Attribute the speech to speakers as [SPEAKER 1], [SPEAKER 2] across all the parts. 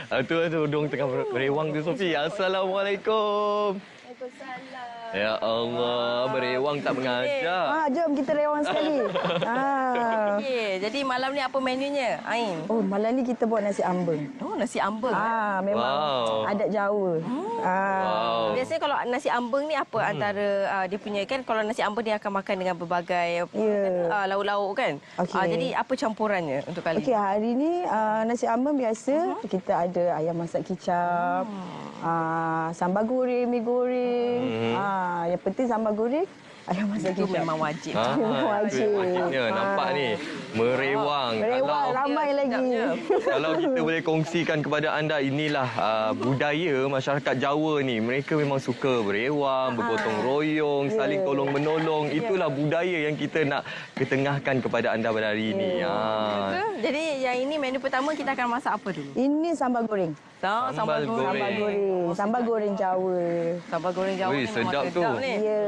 [SPEAKER 1] Tu dong tengah berewang tu, Sofi. Assalamualaikum.
[SPEAKER 2] Waalaikumsalam.
[SPEAKER 1] Ya Allah, berewang tak mengajar.
[SPEAKER 2] Jom kita rewang sekali.
[SPEAKER 3] Okey, jadi malam ni apa menunya, Ain?
[SPEAKER 2] Oh, malam ni kita buat nasi ambeng.
[SPEAKER 3] Oh, nasi ambeng.
[SPEAKER 2] Memang adat Jawa.
[SPEAKER 1] Wow.
[SPEAKER 3] Biasanya kalau nasi ambeng ni apa antara dia punya, kan kalau nasi ambeng dia akan makan dengan berbagai lauk-lauk kan?
[SPEAKER 2] Okey.
[SPEAKER 3] Jadi apa campurannya untuk kali
[SPEAKER 2] Okey, hari ni nasi ambeng biasa kita ada ayam masak kicap, sambal goreng, mi goreng. Yang penting sambal goreng, ayam masak
[SPEAKER 3] itu
[SPEAKER 2] kicap.
[SPEAKER 3] memang wajib.
[SPEAKER 2] Memang wajib.
[SPEAKER 1] Wajibnya. Nampak ni, merewang.
[SPEAKER 2] Merewang, ramai lagi.
[SPEAKER 1] Kalau kita boleh kongsikan kepada anda, inilah budaya masyarakat Jawa ni. Mereka memang suka berewang, bergotong royong, saling tolong-menolong. Itulah budaya yang kita nak ketengahkan kepada anda pada hari ini.
[SPEAKER 3] Betul. Jadi yang ini menu pertama kita akan masak apa dulu?
[SPEAKER 2] Ini sambal goreng.
[SPEAKER 1] Sambal goreng.
[SPEAKER 2] Sambal goreng. Sambal goreng Jawa.
[SPEAKER 3] Sambal goreng Jawa
[SPEAKER 1] Ui,
[SPEAKER 3] ni memang
[SPEAKER 1] sedap tu.
[SPEAKER 3] ni.
[SPEAKER 2] Ya.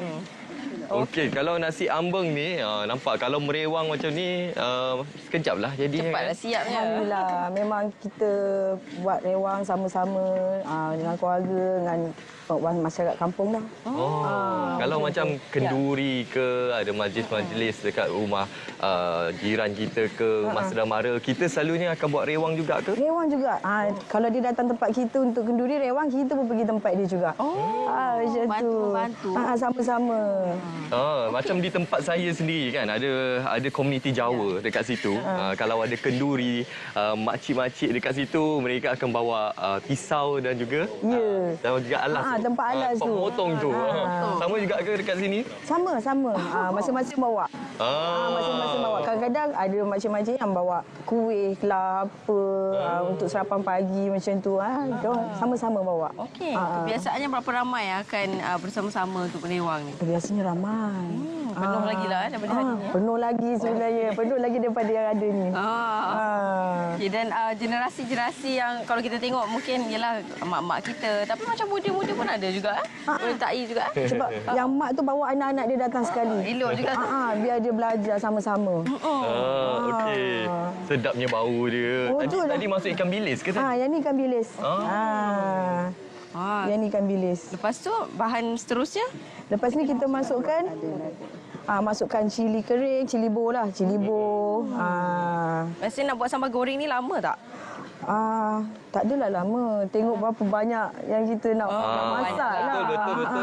[SPEAKER 1] Okey, kalau nasi ambeng ni, nampak kalau merewang macam ni, sekejap lah jadinya.
[SPEAKER 3] Cepatlah siapnya.
[SPEAKER 2] Alhamdulillah. Memang kita buat rewang sama-sama dengan keluarga, dengan masyarakat kampung dah.
[SPEAKER 1] Kalau macam kenduri ke, ada majlis-majlis dekat rumah jiran kita ke, Mas Mara, kita selalunya akan buat rewang juga ke?
[SPEAKER 2] Rewang juga. Kalau dia datang tempat kita untuk kenduri rewang, kita pun pergi tempat dia juga. Macam tu.
[SPEAKER 3] Bantu.
[SPEAKER 2] Sama-sama.
[SPEAKER 1] Macam di tempat saya sendiri kan, ada komuniti Jawa dekat situ. Kalau ada kenduri, makcik-makcik dekat situ, mereka akan bawa pisau dan juga dan juga alas.
[SPEAKER 2] Tempat alas tu.
[SPEAKER 1] Potong tu. Sama juga ke dekat sini?
[SPEAKER 2] Sama. Masing-masing bawa. Masing-masing bawa. Kadang-kadang ada macam-macam yang bawa kuih lah, apa, untuk sarapan pagi macam tu. Sama-sama bawa.
[SPEAKER 3] Okey. Kebiasaannya berapa ramai akan bersama-sama untuk berewang ni?
[SPEAKER 2] Biasanya ramai.
[SPEAKER 3] Penuh lagi lah daripada hari ni.
[SPEAKER 2] Penuh lagi sebenarnya. Penuh lagi daripada yang ada ni.
[SPEAKER 3] Okay, dan generasi-generasi yang kalau kita tengok mungkin ialah mak-mak kita. Tapi macam muda-muda pun ada juga. Menyertai juga.
[SPEAKER 2] Sebab yang mak tu bawa anak-anak dia datang sekali.
[SPEAKER 3] Elok juga.
[SPEAKER 2] Biar dia belajar sama-sama.
[SPEAKER 1] Okey. Sedapnya bau dia. Tadi masuk ikan bilis ke tadi?
[SPEAKER 2] Yang ni ikan bilis. Yang ni ikan bilis.
[SPEAKER 3] Lepas tu bahan seterusnya?
[SPEAKER 2] Lepas ni kita masukkan cili kering, cili bo lah, cili bo.
[SPEAKER 3] Biasanya nak buat sambal goreng ni lama tak?
[SPEAKER 2] Tak adalah lama. Tengok berapa banyak yang kita nak masak lah.
[SPEAKER 1] Betul.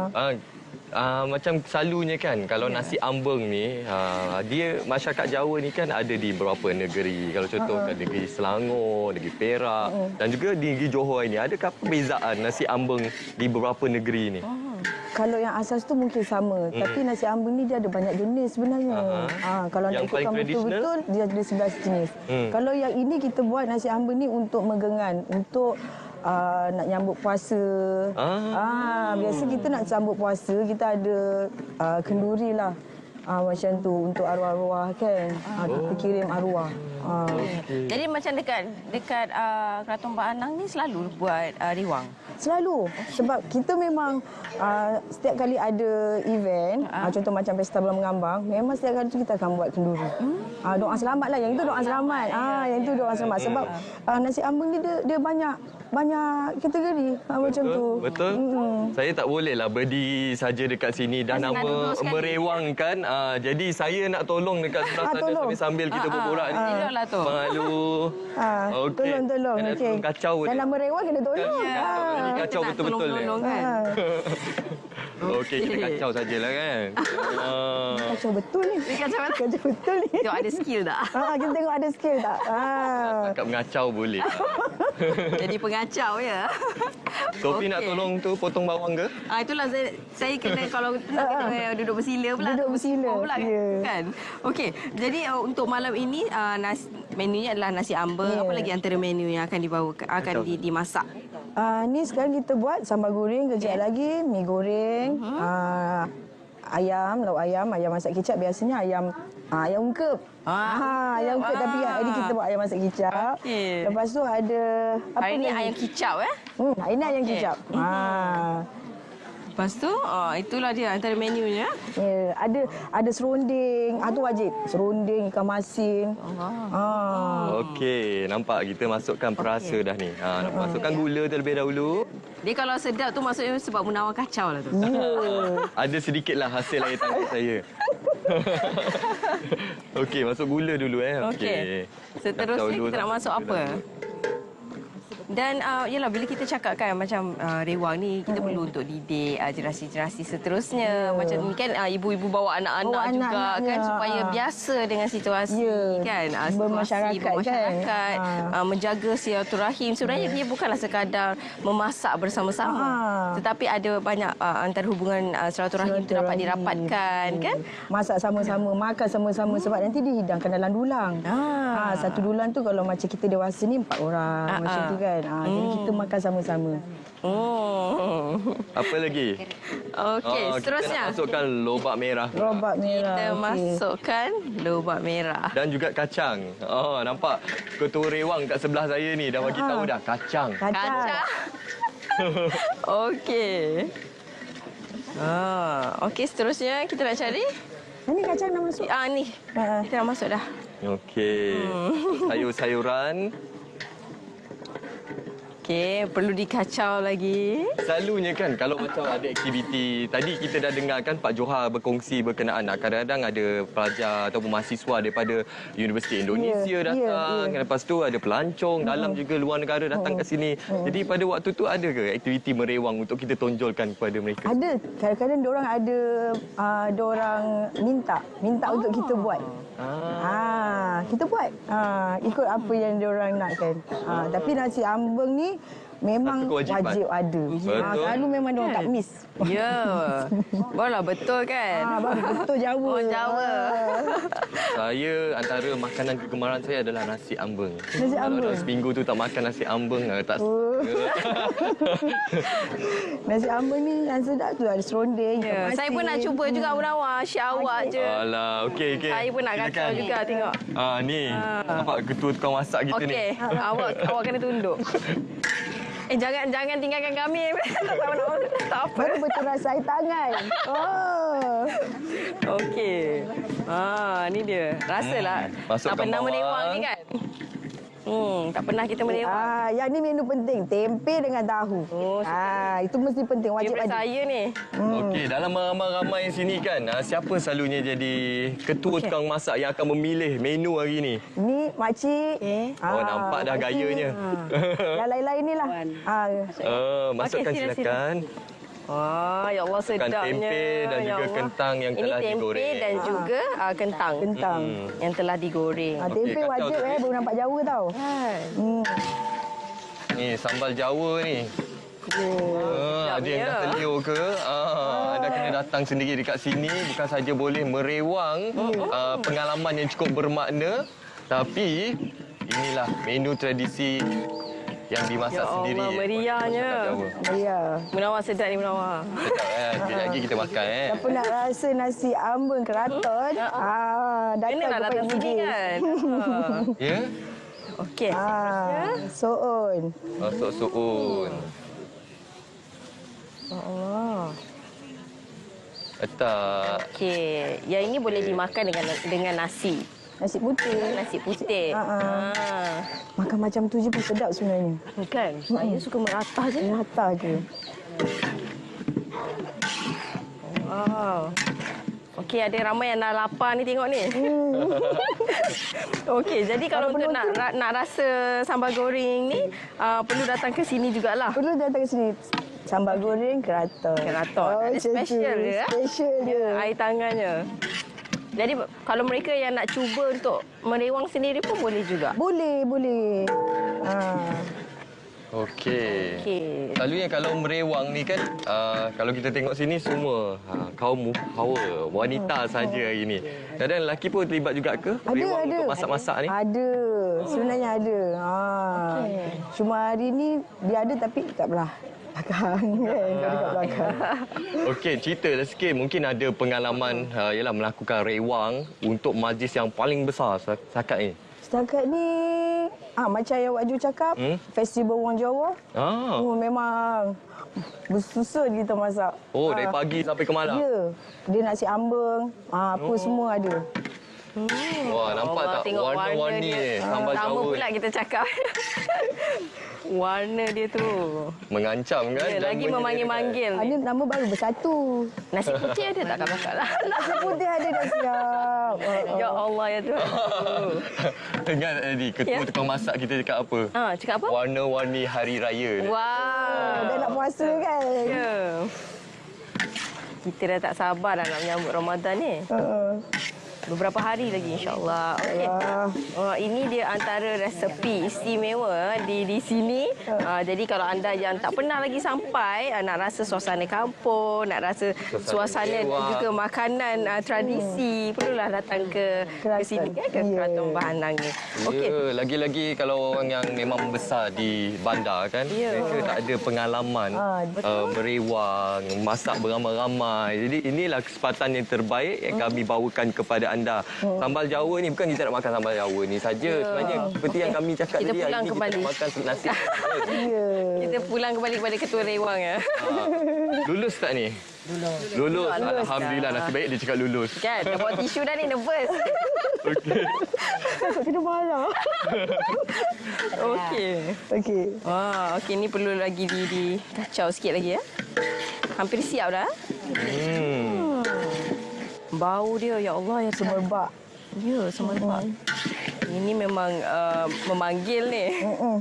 [SPEAKER 1] Macam selalunya kan, kalau nasi ambeng ni, dia masyarakat Jawa ni kan ada di beberapa negeri. Kalau contoh kan negeri Selangor, negeri Perak dan juga di negeri Johor ini. Adakah perbezaan nasi ambeng di beberapa negeri ni?
[SPEAKER 2] Kalau yang asas tu mungkin sama, tapi nasi ambeng ni dia ada banyak jenis sebenarnya. Kalau nak ikutkan betul-betul dia ada 11 jenis. Kalau yang ini kita buat nasi ambeng ni untuk megengan, untuk nak nyambut puasa. Biasa kita nak sambut puasa, kita ada kenduri lah. Macam tu untuk arwah-arwah kan. Kita kirim arwah.
[SPEAKER 3] Jadi macam dekat Kraton Pak Anang ni selalu buat rewang?
[SPEAKER 2] Selalu. Sebab kita memang setiap kali ada event, contoh macam Pesta Bulan Mengambang, memang setiap kali tu kita akan buat kenduri. Doa selamat lah. Yang itu doa selamat. Yang itu doa selamat. Sebab nasi ambeng ni dia banyak kategori macam tu.
[SPEAKER 1] Betul. Saya tak boleh lah berdiri saja dekat sini. Dah nama merewang kan. Jadi saya nak tolong dekat sebelah sana sambil kita berborak ni.
[SPEAKER 3] Eloklah tu.
[SPEAKER 1] Malu. Okey.
[SPEAKER 2] Tolong. Okey.
[SPEAKER 1] Kacau
[SPEAKER 2] dan nama merewang kena tolong.
[SPEAKER 1] Ini kacau betul-betul ni.
[SPEAKER 3] Kan?
[SPEAKER 1] Okey, kita kacau sajalah kan.
[SPEAKER 2] Kacau betul ni.
[SPEAKER 3] Kacau
[SPEAKER 2] betul ni.
[SPEAKER 3] Tengok ada skill tak?
[SPEAKER 2] Kita tengok ada skill tak?
[SPEAKER 1] Cakap mengacau boleh.
[SPEAKER 3] Jadi pengacau ya.
[SPEAKER 1] Sofi nak tolong tu potong bawang ke?
[SPEAKER 3] Itulah saya kena kalau kena duduk bersila pula.
[SPEAKER 2] Duduk bersila.
[SPEAKER 3] Pula, kan. Okey. Jadi untuk malam ini menunya adalah nasi ambeng. Apa lagi antara menu yang akan dimasak?
[SPEAKER 2] Ni sekarang kita buat sambal goreng, kejap lagi mi goreng, ayam, lauk ayam masak kicap, biasanya ayam ungkep. Ayam ungkep tapi hari kita buat ayam masak kicap. Lepas tu ada
[SPEAKER 3] hari ni ayam kicap
[SPEAKER 2] ini ayam kicap.
[SPEAKER 3] Lepas tu, itulah dia antara menunya.
[SPEAKER 2] Ya, ada serunding, tu wajib. Serunding, ikan masin.
[SPEAKER 1] Okey, nampak kita masukkan perasa dah ni. Nak masukkan gula terlebih dahulu.
[SPEAKER 3] Dia kalau sedap tu maksudnya sebab menawar kacau lah tu.
[SPEAKER 1] Ada sedikitlah hasil air tangkap saya. Okey, masuk gula dulu
[SPEAKER 3] Okey. Seterusnya kita nak masuk apa? Dan yalah bila kita cakap kan macam rewang ni kita perlu untuk didik generasi-generasi seterusnya. Macam ni kan ibu-ibu bawa anak-anak juga kan supaya biasa dengan situasi kan.
[SPEAKER 2] Bermasyarakat kan.
[SPEAKER 3] Menjaga silaturahim. Sebenarnya dia bukanlah sekadar memasak bersama-sama. Tetapi ada banyak antara hubungan silaturahim itu dapat dirapatkan kan.
[SPEAKER 2] Masak sama-sama, makan sama-sama sebab nanti dihidangkan dalam dulang. Satu dulang tu kalau macam kita dewasa ni 4 orang macam tu kan. Jadi kita makan sama-sama.
[SPEAKER 1] Apa lagi?
[SPEAKER 3] Okey, seterusnya.
[SPEAKER 1] Kita masukkan lobak merah.
[SPEAKER 2] Lobak merah.
[SPEAKER 3] Kita masukkan lobak merah.
[SPEAKER 1] Dan juga kacang. Nampak ketua rewang kat sebelah saya ni dah bagi tahu dah kacang.
[SPEAKER 3] Kacang. Okey. Okey, seterusnya kita nak cari.
[SPEAKER 2] Ini kacang dah masuk.
[SPEAKER 3] Ni. Kita dah masuk dah.
[SPEAKER 1] Okey. Sayur-sayuran.
[SPEAKER 3] Okey, perlu dikacau lagi.
[SPEAKER 1] Selalunya kan kalau macam ada aktiviti, tadi kita dah dengar kan Pak Johar berkongsi berkenaan kadang-kadang ada pelajar ataupun mahasiswa daripada Universiti Indonesia datang. Lepas tu ada pelancong dalam juga luar negara datang ke sini. Jadi pada waktu tu ada ke aktiviti merewang untuk kita tonjolkan kepada mereka?
[SPEAKER 2] Ada. Kadang-kadang diorang ada diorang minta untuk kita buat. Kita buat. Ikut apa yang diorang nakkan. Tapi nasi ambeng ni memang wajib ada. Selalu memang diorang tak miss.
[SPEAKER 3] Ya. Barulah betul kan?
[SPEAKER 2] Betul Jawa.
[SPEAKER 3] Orang Jawa.
[SPEAKER 1] Saya antara makanan kegemaran saya adalah nasi ambeng.
[SPEAKER 2] Nasi ambeng.
[SPEAKER 1] Kalau seminggu tu tak makan nasi ambeng tak
[SPEAKER 2] Nasi ambeng ni yang sedap tu ada serunding.
[SPEAKER 3] Saya pun nak cuba juga Munawar. Syar awak je.
[SPEAKER 1] Alah, okey.
[SPEAKER 3] Saya pun nak kacau juga tengok.
[SPEAKER 1] Ni. Nampak ketua tukang masak kita ni.
[SPEAKER 3] Okey. Awak kena tunduk. Jangan tinggalkan kami. Tak apa.
[SPEAKER 2] Baru betul rasa air tangan.
[SPEAKER 3] Okey. Ni dia. Rasalah.
[SPEAKER 1] Masukkan
[SPEAKER 3] tak pernah
[SPEAKER 1] bawang.
[SPEAKER 3] merewang ni kan? Tak pernah kita merewang.
[SPEAKER 2] Yang ni menu penting, tempe dengan tahu. Itu mesti penting, wajib
[SPEAKER 3] Favorite
[SPEAKER 2] ada.
[SPEAKER 3] saya ni.
[SPEAKER 1] Okey, dalam ramai-ramai sini kan, siapa selalunya jadi ketua tukang masak yang akan memilih menu hari ni?
[SPEAKER 2] Ni makcik.
[SPEAKER 1] Nampak dah gayanya.
[SPEAKER 2] Yang lain-lain ni lah.
[SPEAKER 1] Masukkan silakan.
[SPEAKER 3] Ya Allah sedapnya.
[SPEAKER 1] Tempe dan juga kentang yang telah digoreng.
[SPEAKER 3] Ini tempe dan juga kentang.
[SPEAKER 2] Kentang.
[SPEAKER 3] Yang telah digoreng.
[SPEAKER 2] Tempe
[SPEAKER 1] Okey,
[SPEAKER 2] wajib
[SPEAKER 1] kacau.
[SPEAKER 2] baru nampak Jawa tau.
[SPEAKER 1] Ni sambal Jawa ni. Ada yang dah terliur ke? Anda kena datang sendiri dekat sini. Bukan saja boleh merewang pengalaman yang cukup bermakna, tapi inilah menu tradisi yang dimasak sendiri.
[SPEAKER 3] Ya Allah, meriahnya.
[SPEAKER 2] Ya.
[SPEAKER 3] Munawar sedap ni Munawar.
[SPEAKER 1] Sedap sekejap lagi kita makan
[SPEAKER 2] Siapa nak rasa nasi ambeng keraton?
[SPEAKER 3] Kena nak datang sini kan?
[SPEAKER 1] Ya?
[SPEAKER 3] Okey.
[SPEAKER 2] Soon.
[SPEAKER 1] Masuk suun. Letak.
[SPEAKER 3] Okey. Yang ini boleh dimakan dengan nasi.
[SPEAKER 2] Nasi putih.
[SPEAKER 3] Nasi putih.
[SPEAKER 2] Makan macam tu je pun sedap sebenarnya.
[SPEAKER 3] Kan? Saya suka meratah je.
[SPEAKER 2] Merata je.
[SPEAKER 3] Wow. Okey, ada ramai yang dah lapar ni tengok ni. Okey, jadi kalau untuk nak rasa sambal goreng ni, perlu datang ke sini jugalah.
[SPEAKER 2] Perlu datang ke sini. Sambal goreng keraton.
[SPEAKER 3] Keraton. Ada special dia.
[SPEAKER 2] Special dia.
[SPEAKER 3] Air tangannya. Jadi kalau mereka yang nak cuba untuk merewang sendiri pun boleh juga.
[SPEAKER 2] Boleh.
[SPEAKER 1] Okey. Selalunya kalau merewang ni kan, kalau kita tengok sini semua kaum hawa, wanita saja hari ni. Kadang lelaki pun terlibat juga ke? Merewang
[SPEAKER 2] Ada.
[SPEAKER 1] untuk masak-masak ni?
[SPEAKER 2] Ada. Sebenarnya ada. Cuma hari ni dia ada tapi kat belah belakang kan. Kat belakang.
[SPEAKER 1] Okey, ceritalah sikit. Mungkin ada pengalaman ialah melakukan rewang untuk majlis yang paling besar setakat ni.
[SPEAKER 2] Setakat ni macam yang Wak Ju cakap, Festival Wang Jawa. Memang Bersusun kita masak.
[SPEAKER 1] Oh, dari pagi sampai ke malam?
[SPEAKER 2] Ya. Dia nasi ambeng, apa semua ada.
[SPEAKER 1] Wah, nampak
[SPEAKER 3] Allah,
[SPEAKER 1] tak?
[SPEAKER 3] tengok
[SPEAKER 1] Warna-warni
[SPEAKER 3] dia.
[SPEAKER 1] ni. Sambal
[SPEAKER 3] Sama
[SPEAKER 1] Jawa.
[SPEAKER 3] pula kita cakap. Warna dia tu.
[SPEAKER 1] Mengancam kan?
[SPEAKER 3] Ya, lagi
[SPEAKER 1] Namanya
[SPEAKER 3] memanggil-manggil.
[SPEAKER 2] Ini nama baru bersatu.
[SPEAKER 3] Nasi putih ada tak kakak lah?
[SPEAKER 2] Nasi putih ada dah siap.
[SPEAKER 3] Ya Allah ya Tuhan.
[SPEAKER 1] dekat. Ingat tadi, ketua
[SPEAKER 3] Ya.
[SPEAKER 1] tukang masak kita cakap apa?
[SPEAKER 3] Cakap apa?
[SPEAKER 1] Warna-warni hari raya.
[SPEAKER 3] Wow.
[SPEAKER 2] Dah nak puasa kan?
[SPEAKER 3] Ya. Kita dah tak sabar dah nak menyambut Ramadan ni. Beberapa hari lagi insya-Allah. Okey. Ini dia antara resepi istimewa di sini. Jadi kalau anda yang tak pernah lagi sampai nak rasa suasana kampung, nak rasa suasana dan juga makanan tradisi, perlulah datang ke sini kan, ke Kraton Bahanang ni. Okey.
[SPEAKER 1] Ya, lagi-lagi kalau orang yang memang besar di bandar kan,
[SPEAKER 3] Ya.
[SPEAKER 1] mereka tak ada pengalaman berewang, masak beramai-ramai. Jadi inilah kesempatan yang terbaik yang kami bawakan kepada anda. Sambal Jawa ni bukan kita nak makan sambal Jawa ni saja. Sebenarnya seperti yang kami cakap
[SPEAKER 3] Kita
[SPEAKER 1] tadi, hari
[SPEAKER 3] pulang
[SPEAKER 1] ni
[SPEAKER 3] kembali.
[SPEAKER 1] kita nak makan nasi.
[SPEAKER 2] Ya.
[SPEAKER 3] Kita pulang kembali kepada Ketua Rewang ya.
[SPEAKER 1] Lulus tak ni? Lulus. Alhamdulillah, nasib baik dia cakap lulus.
[SPEAKER 3] Kan, dah bawa tisu dah ni, nervous.
[SPEAKER 1] Okey.
[SPEAKER 2] Takut kena marah.
[SPEAKER 3] Okey.
[SPEAKER 2] Okey.
[SPEAKER 3] Okey, ni perlu lagi di kacau sikit lagi ya. Hampir siap dah. Bau dia, ya Allah, ya Tuhan.
[SPEAKER 2] Semerbak.
[SPEAKER 3] Ya, semerbak. Ini memang memanggil ni.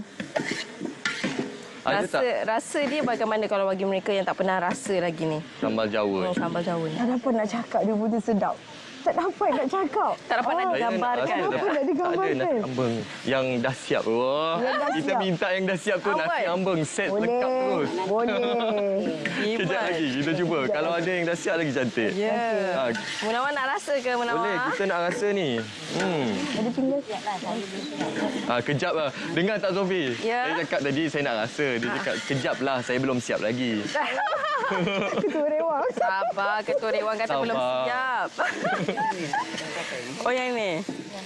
[SPEAKER 1] Ada tak
[SPEAKER 3] Rasa dia bagaimana kalau bagi mereka yang tak pernah rasa lagi ni?
[SPEAKER 1] sambal Jawa?
[SPEAKER 3] Sambal Jawa ni.
[SPEAKER 2] Tak dapat nak cakap dia betul sedap. Tak dapat nak cakap.
[SPEAKER 3] Tak dapat nak
[SPEAKER 1] Saya
[SPEAKER 3] digambarkan.
[SPEAKER 1] rasa
[SPEAKER 2] Apa nak digambarkan?
[SPEAKER 1] Tak ada nasi ambeng yang dah siap. Wah,
[SPEAKER 2] Yang dah
[SPEAKER 1] kita
[SPEAKER 2] siap.
[SPEAKER 1] minta yang dah siap tu nasi
[SPEAKER 3] Awal.
[SPEAKER 1] ambeng set lengkap
[SPEAKER 2] Boleh.
[SPEAKER 1] terus.
[SPEAKER 2] Boleh.
[SPEAKER 1] Kejap lagi kita cuba. Kalau ada yang dah siap lagi cantik.
[SPEAKER 3] Ya.
[SPEAKER 1] Ha,
[SPEAKER 3] Munawar nak rasa ke Munawar?
[SPEAKER 1] boleh, kita nak rasa ni.
[SPEAKER 2] Ada pinggan.
[SPEAKER 1] Kejap lah. Dengar tak Sofi?
[SPEAKER 3] Ya.
[SPEAKER 1] Saya cakap tadi saya nak rasa. Dia cakap kejap lah, saya belum siap lagi.
[SPEAKER 2] Ketua Rewang.
[SPEAKER 3] Sabar, Ketua Rewang kata
[SPEAKER 1] Sabar.
[SPEAKER 3] belum siap. Oh, yang ni?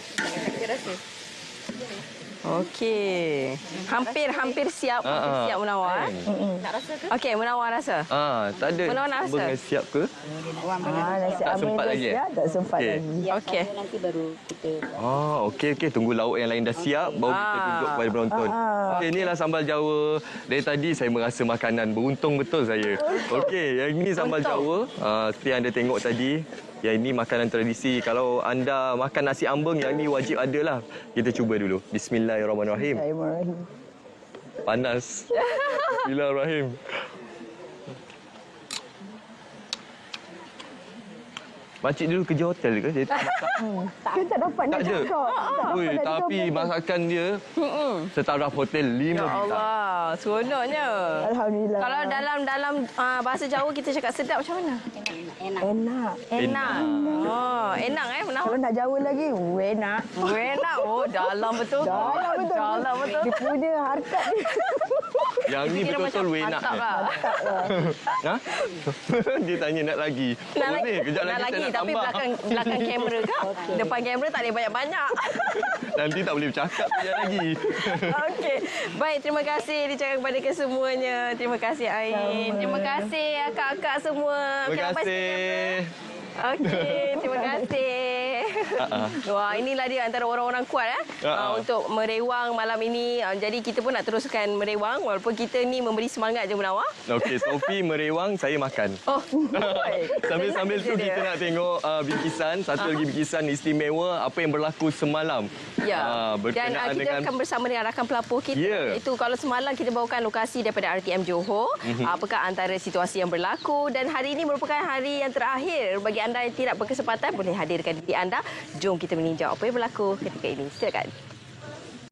[SPEAKER 3] Okey. Hampir siap. Hampir siap Munawar.
[SPEAKER 4] Nak rasa ke?
[SPEAKER 3] Okey, Munawar rasa.
[SPEAKER 1] Tak ada
[SPEAKER 3] Mana nak
[SPEAKER 1] ambeng
[SPEAKER 3] rasa?
[SPEAKER 1] yang siap ke?
[SPEAKER 2] Nasi
[SPEAKER 1] Tak
[SPEAKER 2] ambeng
[SPEAKER 1] sempat
[SPEAKER 2] dah
[SPEAKER 1] lagi,
[SPEAKER 2] siap. Tak sempat
[SPEAKER 1] Okey.
[SPEAKER 2] lagi.
[SPEAKER 3] Okey.
[SPEAKER 4] Nanti baru kita
[SPEAKER 1] Okey. Tunggu lauk yang lain dah siap, baru kita tunjuk kepada penonton. Okey, inilah sambal Jawa. Dari tadi saya merasa makanan. Beruntung betul saya. Okey, yang ini sambal Jawa. Seperti yang anda tengok tadi. Yang ini makanan tradisi. Kalau anda makan nasi ambeng, yang ini wajib ada lah. Kita cuba dulu. Bismillahirrahmanirrahim.
[SPEAKER 2] Bismillahirrahmanirrahim.
[SPEAKER 1] Panas. Bismillahirrahmanirrahim. Makcik dulu kerja hotel ke? Dia tak masak.
[SPEAKER 2] Kan tak dapat nak
[SPEAKER 1] Tak ada.
[SPEAKER 2] cakap. Tak
[SPEAKER 1] Ui,
[SPEAKER 2] dapat nak
[SPEAKER 1] tapi
[SPEAKER 2] cakap.
[SPEAKER 1] masakan dia setaraf hotel 5
[SPEAKER 3] Ya
[SPEAKER 1] bintang.
[SPEAKER 3] Allah, seronoknya.
[SPEAKER 2] Alhamdulillah.
[SPEAKER 3] Kalau dalam bahasa Jawa kita cakap sedap macam mana?
[SPEAKER 4] enak.
[SPEAKER 2] Enak.
[SPEAKER 3] Enak. Enak Munawar.
[SPEAKER 2] Kalau nak Jawa lagi, enak.
[SPEAKER 3] Enak. Oh, dalam betul.
[SPEAKER 2] Dalam betul.
[SPEAKER 3] Dalam betul.
[SPEAKER 2] Dia punya harkat dia.
[SPEAKER 1] Yang ni
[SPEAKER 3] Kira
[SPEAKER 1] betul-betul
[SPEAKER 3] macam
[SPEAKER 1] enak.
[SPEAKER 3] mantap lah.
[SPEAKER 1] Ha? Dia tanya nak lagi.
[SPEAKER 3] Nak
[SPEAKER 1] Boleh, kejap
[SPEAKER 3] nak
[SPEAKER 1] lagi
[SPEAKER 3] lagi
[SPEAKER 1] saya nak
[SPEAKER 3] tapi
[SPEAKER 1] tambah.
[SPEAKER 3] belakang kamera kau. Depan kamera tak boleh banyak-banyak.
[SPEAKER 1] Nanti tak boleh bercakap kejap lagi.
[SPEAKER 3] Okey. Baik, terima kasih dicakap kepada kesemuanya. Terima kasih Ain. Terima kasih akak-akak semua.
[SPEAKER 1] Terima
[SPEAKER 3] Okey, lepas
[SPEAKER 1] kasih.
[SPEAKER 3] Okey, terima kasih. Wah, inilah dia antara orang-orang kuat untuk merewang malam ini. Jadi kita pun nak teruskan merewang walaupun kita ni memberi semangat je Munawar.
[SPEAKER 1] Okey, Sofi merewang, saya makan.
[SPEAKER 3] Oh.
[SPEAKER 1] Sambil-sambil tu
[SPEAKER 3] Senang je
[SPEAKER 1] kita
[SPEAKER 3] dia.
[SPEAKER 1] nak tengok bingkisan, satu lagi bingkisan istimewa apa yang berlaku semalam.
[SPEAKER 3] Ya. Dan
[SPEAKER 1] Berkenaan
[SPEAKER 3] kita
[SPEAKER 1] dengan
[SPEAKER 3] akan bersama dengan rakan pelapor kita.
[SPEAKER 1] Ya.
[SPEAKER 3] Itu kalau semalam kita bawakan lokasi daripada RTM Johor, apakah antara situasi yang berlaku dan hari ini merupakan hari yang terakhir bagi anda yang tidak berkesempatan boleh hadirkan diri anda. Jom kita meninjau apa yang berlaku ketika ini. Silakan.